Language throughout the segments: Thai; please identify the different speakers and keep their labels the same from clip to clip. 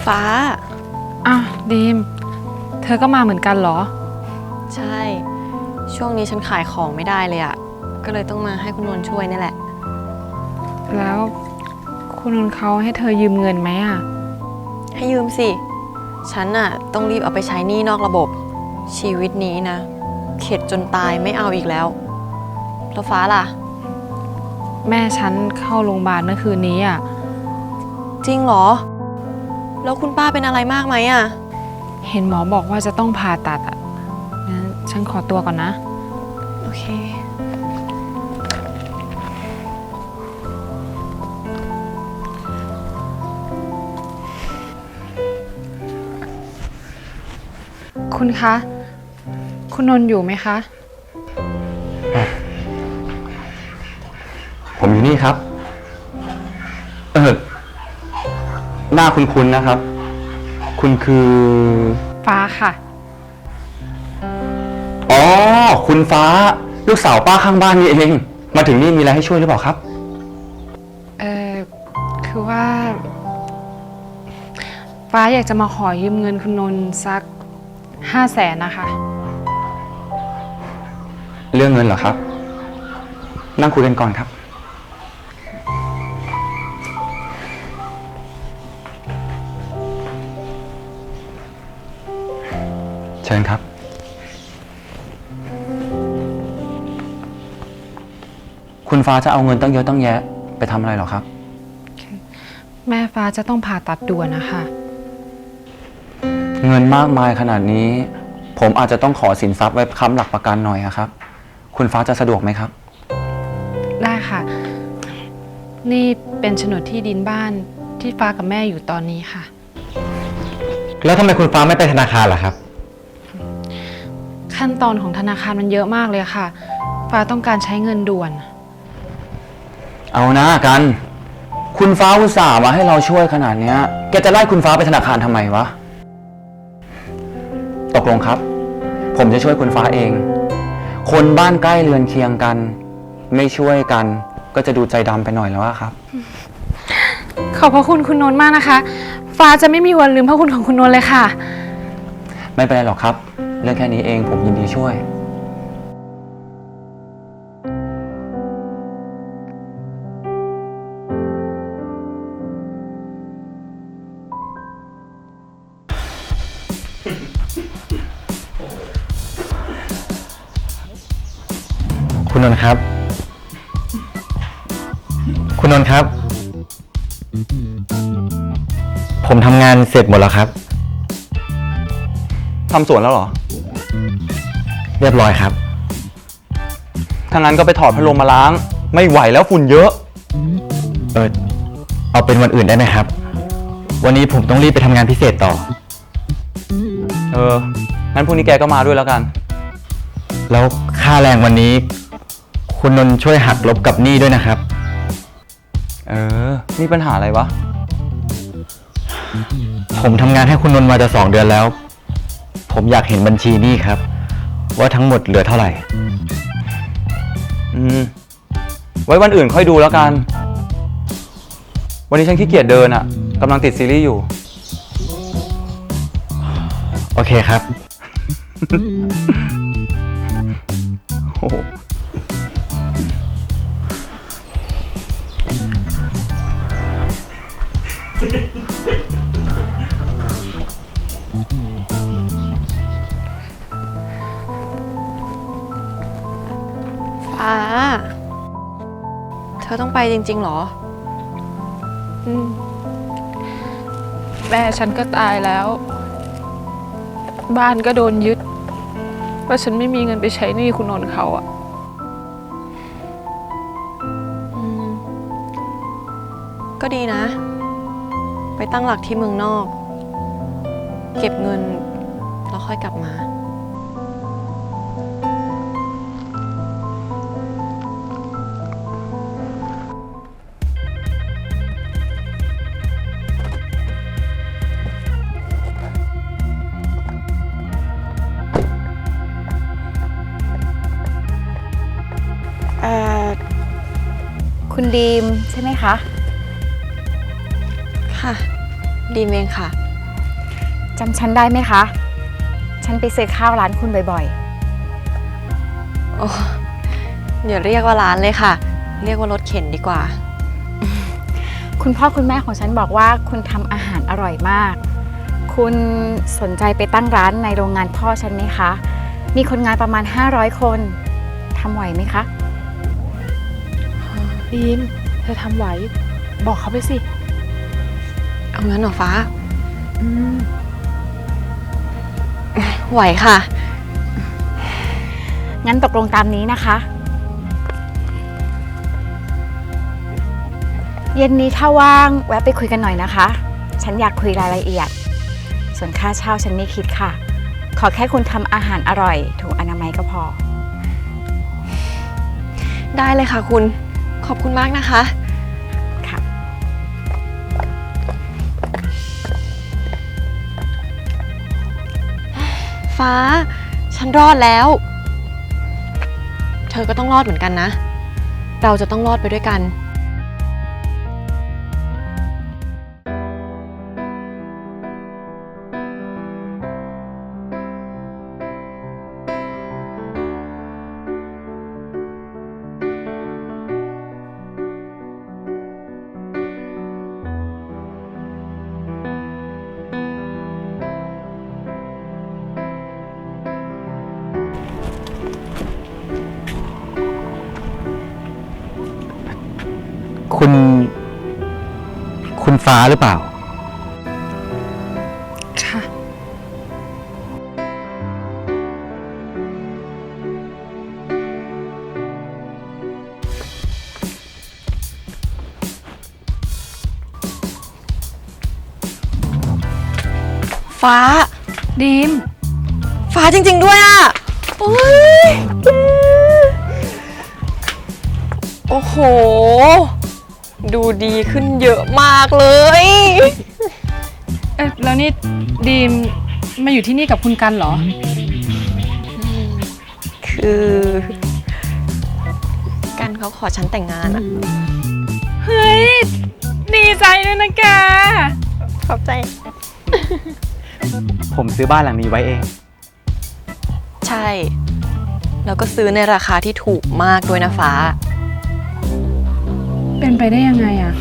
Speaker 1: ฟ้า
Speaker 2: อ้าวดีมเธอก็มาเหมือนกันเหรอ
Speaker 1: ใช่ช่วงนี้ฉันขายของไม่ได้เลยอะก็เลยต้องมาให้คุณนนท์ช่วยนี่แหละ
Speaker 2: แล้วคุณนนท์เขาให้เธอยืมเงินไหมอะ
Speaker 1: ให้ยืมสิฉันน่ะต้องรีบเอาไปใช้หนี้นอกระบบชีวิตนี้นะเข็ดจนตายไม่เอาอีกแล้วแล้วฟ้าล่ะ
Speaker 2: แม่ฉันเข้าโรงพยาบาลเมื่อคืนนี้อะ
Speaker 1: จริงเหรอแล้วคุณป้าเป็นอะไรมากไหมอะ
Speaker 2: เห็นหมอบอกว่าจะต้องผ่าตัดอะงั้นฉันขอตัวก่อนนะ
Speaker 1: โอเค
Speaker 2: คุณคะ คุณนนท์อยู่ไหมคะ
Speaker 3: ผมอยู่นี่ครับหน้าคุ้นๆนะครับคุณคือ
Speaker 2: ฟ้าค่ะ
Speaker 3: อ๋อคุณฟ้าลูกสาวป้าข้างบ้านนี่เองมาถึงนี่มีอะไรให้ช่วยหรือเปล่าครับ
Speaker 2: คือว่าฟ้าอยากจะมาขอยืมเงินคุณนนท์สัก500,000นะคะ
Speaker 3: เรื่องเงินเหรอครับนั่งคุยกันก่อนครับเชิญครับคุณฟ้าจะเอาเงินตั้งเยอะตั้งแยะไปทำอะไรหรอครับ
Speaker 2: แม่ฟ้าจะต้องผ่าตัดด่วนนะคะ
Speaker 3: เงินมากมายขนาดนี้ผมอาจจะต้องขอสินทรัพย์ไว้ค้ำหลักประกันหน่อยครับคุณฟ้าจะสะดวกไหมครับ
Speaker 2: ได้ค่ะนี่เป็นโฉนดที่ดินบ้านที่ฟ้ากับแม่อยู่ตอนนี้ค่ะ
Speaker 3: แล้วทำไมคุณฟ้าไม่ไปธนาคารล่ะครับ
Speaker 2: ขั้นตอนของธนาคารมันเยอะมากเลยค่ะฟ้าต้องการใช้เงินด่วน
Speaker 3: เอานะกันคุณฟ้าอุตส่าห์มาให้เราช่วยขนาดนี้แกจะไล่คุณฟ้าไปธนาคารทำไมวะตกลงครับผมจะช่วยคุณฟ้าเองคนบ้านใกล้เรือนเคียงกันไม่ช่วยกันก็จะดูใจดำไปหน่อยแล้วครับ
Speaker 2: ขอบพระคุณคุณนนท์มากนะคะฟ้าจะไม่มีวันลืมพระคุณของคุณนนท์เลยค่ะ
Speaker 3: ไม่เป็นไรหรอกครับเรื่องแค่นี้เองผมยินดีช่วยคุณนนท์ครับคุณนนท์ครับผมทำงานเสร็จหมดแล้วครับทำสวนแล้วเหรอเรียบร้อยครับถ้างั้นก็ไปถอดพัดลมมาล้างไม่ไหวแล้วฝุ่นเยอะเอาเป็นวันอื่นได้ไหมครับวันนี้ผมต้องรีบไปทำงานพิเศษต่องั้นพรุ่งนี้แกก็มาด้วยแล้วกันแล้วค่าแรงวันนี้คุณนนท์ช่วยหักลบกับหนี้ด้วยนะครับมีปัญหาอะไรวะผมทำงานให้คุณนนท์มาจะ2 เดือนแล้วผมอยากเห็นบัญชีหนี้ครับว่าทั้งหมดเหลือเท่าไหร่ไว้วันอื่นค่อยดูแล้วกันวันนี้ฉันขี้เกียจเดินอ่ะกำลังติดซีรีส์อยู่โอเคครับโอ้
Speaker 1: ฟ้าเธอต้องไปจริงๆเหรอ
Speaker 2: แม่ฉันก็ตายแล้วบ้านก็โดนยึดว่าฉันไม่มีเงินไปใช้หนี้คุณนนท์เขาอะ
Speaker 1: ก็ดีนะไปตั้งหลักที่เมืองนอกเก็บเงินแล้วค่อยกลับมา
Speaker 4: คุณดีมใช่ไหมคะ
Speaker 1: ค่ะดีมเองค่ะ
Speaker 4: จำฉันได้ไหมคะ ฉันไปซื้อข้าวร้านคุณบ่อย
Speaker 1: โอ้อย่าเรียกว่าร้านเลยค่ะ เรียกว่ารถเข็นดีกว่า
Speaker 4: ๆ คุณพ่อคุณแม่ของฉันบอกว่าคุณทำอาหารอร่อยมาก คุณสนใจไปตั้งร้านในโรงงานพ่อฉันไหมคะ มีคนงานประมาณ500 คนทำไหวไหมคะ
Speaker 2: ดีมเธอทำไหว บอกเขาไปสิ
Speaker 1: เอางั้นเหรอฟ้า ไหวค่ะ
Speaker 4: งั้นตกลงตามนี้นะคะ เย็นนี้ถ้าว่างแวะไปคุยกันหน่อยนะคะ ฉันอยากคุยรายละเอียด ส่วนค่าเช่าฉันไม่คิดค่ะ ขอแค่คุณทำอาหารอร่อย ถูกอนามัยก็พอ
Speaker 1: ได้เลยค่ะคุณ ขอบคุณมากนะคะ
Speaker 4: ค่ะ
Speaker 1: ฟ้า ฉันรอดแล้ว เธอก็ต้องรอดเหมือนกันนะ เราจะต้องรอดไปด้วยกัน
Speaker 3: คุณฟ้าหรือเปล่า
Speaker 2: ค่ะ
Speaker 1: ฟ้า
Speaker 2: ดีม
Speaker 1: ฟ้าจริงๆด้วยอ่ะ โอ้ยโอ้โห ดูดีขึ้นเยอะมากเลย
Speaker 2: แล้วนี่ดีมมาอยู่ที่นี่กับคุณกันเหรอ
Speaker 1: คือ กันเขาขอฉันแต่งงานอ่ะ
Speaker 2: เฮ้ย ดีใจด้วยนะแก
Speaker 1: ขอบใจ
Speaker 3: ผมซื้อบ้านหลังนี้ไว้เอง
Speaker 1: ใช่ แล้วก็ซื้อในราคาที่ถูกมากด้วยนะฟ้า
Speaker 2: เป็นไปได้ยังไงอะ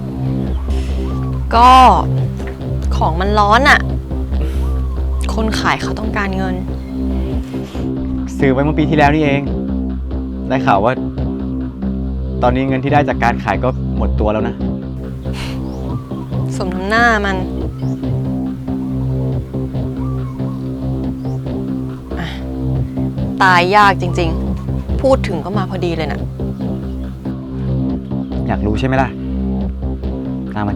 Speaker 1: ก็ของมันร้อนอ่ะ คนขายเขาต้องการเงิน
Speaker 5: ซื้อไว้เมื่อปีที่แล้วนี่เอง ได้ข่าวว่า ตอนนี้เงินที่ได้จากการขายก็หมดตัวแล้วนะ
Speaker 1: สมน้ำหน้ามันอ่ะตายยากจริงๆ พูดถึงก็มาพอดีเลยนะ
Speaker 5: อยากรู้ใช่ไหมล่ะ ตามมาดิ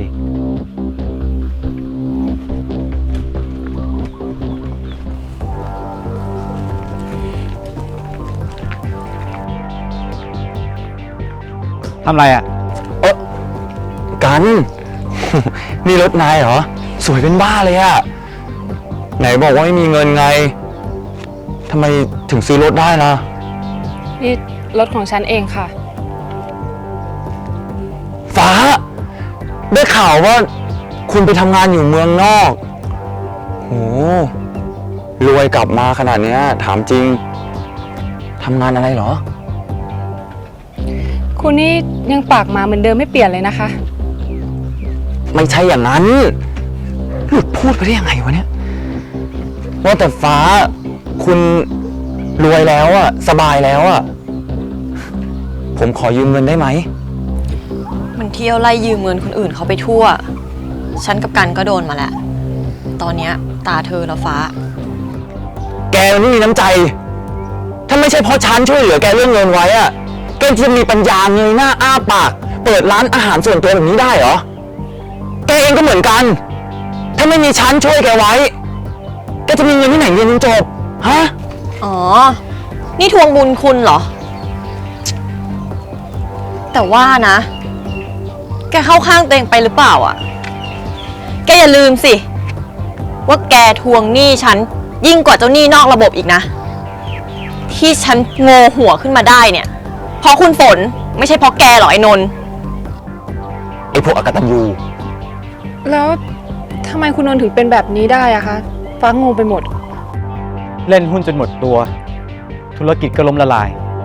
Speaker 5: ทำไรอ่ะ
Speaker 3: กัน นี่รถนายเหรอ สวยเป็นบ้าเลยอะไหนบอกว่าไม่มีเงินไง ทำไมถึงซื้อรถได้ล่ะ
Speaker 2: นี่รถของฉันเองค่ะ
Speaker 3: ฟ้า ได้ข่าวว่าคุณไปทำงานอยู่เมืองนอกโหรวยกลับมาขนาดเนี้ย ถามจริง ทำงานอะไรเหรอ
Speaker 2: คุณนี่ยังปากหมาเหมือนเดิมไม่เปลี่ยนเลยนะคะ
Speaker 3: ไม่ใช่อย่างนั้น หลุดพูดไปได้ยังไงวะเนี่ย ว่าแต่ฟ้า คุณรวยแล้วอะสบายแล้วอะผมขอยืมเงินได้ไหม
Speaker 1: มันเที่ยวไล่ยืมเงินคนอื่นเขาไปทั่ว ฉันกับกันก็โดนมาแล้ว ตอนเนี้ยตาเธอแล้วฟ้า
Speaker 3: แกมันไม่มีน้ำใจ ถ้าไม่ใช่เพราะฉันช่วยเหลือแกเรื่องเงินไว้อะแกจะมีปัญญาเงยหน้าอ้าปาก เปิดร้านอาหารส่วนตัวแบบนี้ได้เหรอ แกเองก็เหมือนกัน ถ้าไม่มีฉันช่วยแกไว้ แกจะมีเงินที่ไหนเรียนจนจบ ฮะ
Speaker 1: อ๋อ นี่ทวงบุญคุณเหรอ แต่ว่านะ แกเข้าข้างตัวเองไปหรือเปล่าอ่ะ แกอย่าลืมสิ ว่าแกทวงหนี้ฉันยิ่งกว่าเจ้าหนี้นอกระบบอีกนะ ที่ฉันโง่หัวขึ้นมาได้เนี่ย เพราะคุณฝนไม่ใช่เพราะแกหรอไอ้นนท์
Speaker 3: ไอพวกอกตัญญู
Speaker 2: แล้วทำไมคุณนนท์ถึงเป็นแบบนี้ได้อะคะฟ้างงไปหมด
Speaker 5: เล่นหุ้นจนหมดตัว ธุรกิจก็ล้มละลาย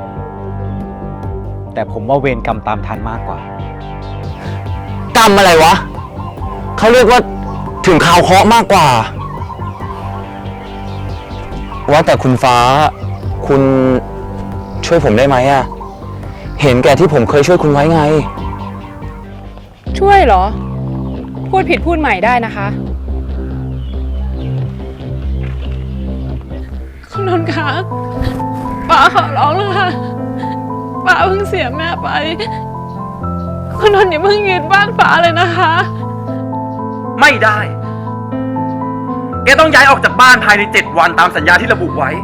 Speaker 5: แต่ผมว่าเวรกรรมตามทันมากกว่า
Speaker 3: กรรมอะไรวะ เขาเรียกว่าถึงข่าวเคราะห์มากกว่า ว่าแต่คุณฟ้า คุณช่วยผมได้ไหมอะเห็นแก่ที่ผมเคยช่วยคุณไว้ไง
Speaker 2: ช่วยเหรอ พูดผิดพูดใหม่ได้นะคะ คุณนนท์คะป้าขอร้องเลยค่ะป้าเพิ่งเสียแม่ไป คุณนนท์อย่าเพิ่งยึดบ้านป้าเลยนะคะ
Speaker 6: ไม่ได้ แกต้องย้ายออกจากบ้านภายใน 7 วันตามสัญญาที่ระบุไว้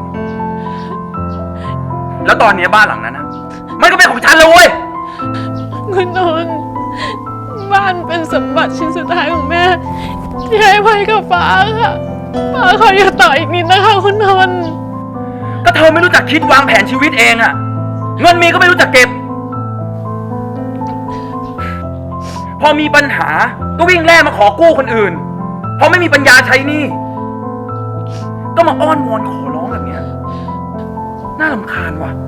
Speaker 6: แล้วตอนนี้บ้านหลังนั้นนะมันก็เป็นของฉันเลยเว้ย
Speaker 2: คุณนนท์บ้านเป็นสมบัติชิ้นสุดท้ายของแม่ที่ให้ไว้กับป้าค่ะป้าขออย่าต่ออีกนิดนะคะคุณนนท์
Speaker 6: ก็เธอไม่รู้จักคิดวางแผนชีวิตเองอะเงินมีก็ไม่รู้จักเก็บ พอมีปัญหาก็วิ่งแล่มาขอกู้คนอื่น พอไม่มีปัญญาใช้หนี้ก็มาอ้อนวอนขอร้องแบบเนี้ยน่ารำคาญว่ะ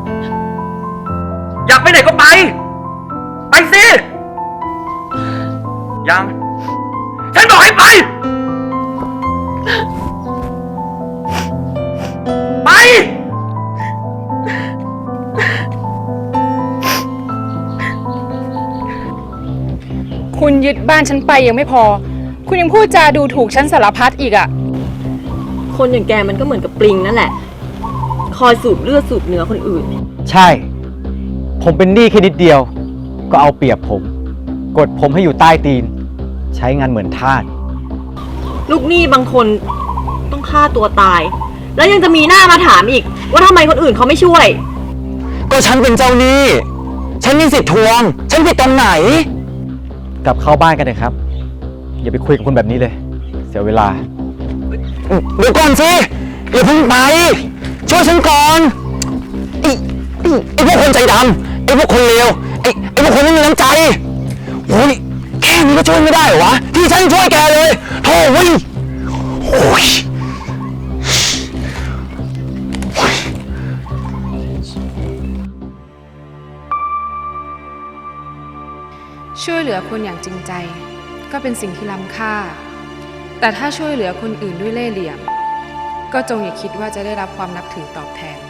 Speaker 6: อยากไปไหนก็ไป ไปสิ ยัง ฉันบอกให้ไป ไป
Speaker 2: คุณยึดบ้านฉันไปยังไม่พอ คุณยังพูดจาดูถูกฉันสารพัดอีกอะ
Speaker 1: คนอย่างแกมันก็เหมือนกับปลิงนั่นแหละ คอยสูบเลือดสูบเนื้อคนอื่น
Speaker 5: ใช่ ผมเป็นหนี้แค่นิดเดียว ก็เอาเปรียบผม กดผมให้อยู่ใต้ตีน ใช้งานเหมือนทาส
Speaker 1: ลูกหนี้บางคนต้องฆ่าตัวตาย แล้วยังจะมีหน้ามาถามอีก ว่าทำไมคนอื่นเขาไม่ช่วย
Speaker 3: ก็ฉันเป็นเจ้าหนี้ ฉันมีสิทธิ์ทวง ฉันผิดตรงไหน
Speaker 5: กลับเข้าบ้านกันเลยครับ อย่าไปคุยกับคนแบบนี้เลย เสียเวลา
Speaker 3: เดี๋ยวก่อนสิอย่าเพิ่งไป ช่วยฉันก่อนไอ้พวกคนใจดำไอ้พวกคนเลวไอ้พวกคนไม่มีน้ำใจโอ้ยแค่นี้ก็ช่วยไม่ได้เหรอวะ ที่ฉันช่วยแกเลยโธ่เว้ยโอ้ย
Speaker 2: ช่วยเหลือคนอย่างจริงใจ ก็เป็นสิ่งที่ล้ำค่า แต่ถ้าช่วยเหลือคนอื่นด้วยเล่ห์เหลี่ยม ก็จงอย่าคิดว่าจะได้รับความนับถือตอบแทน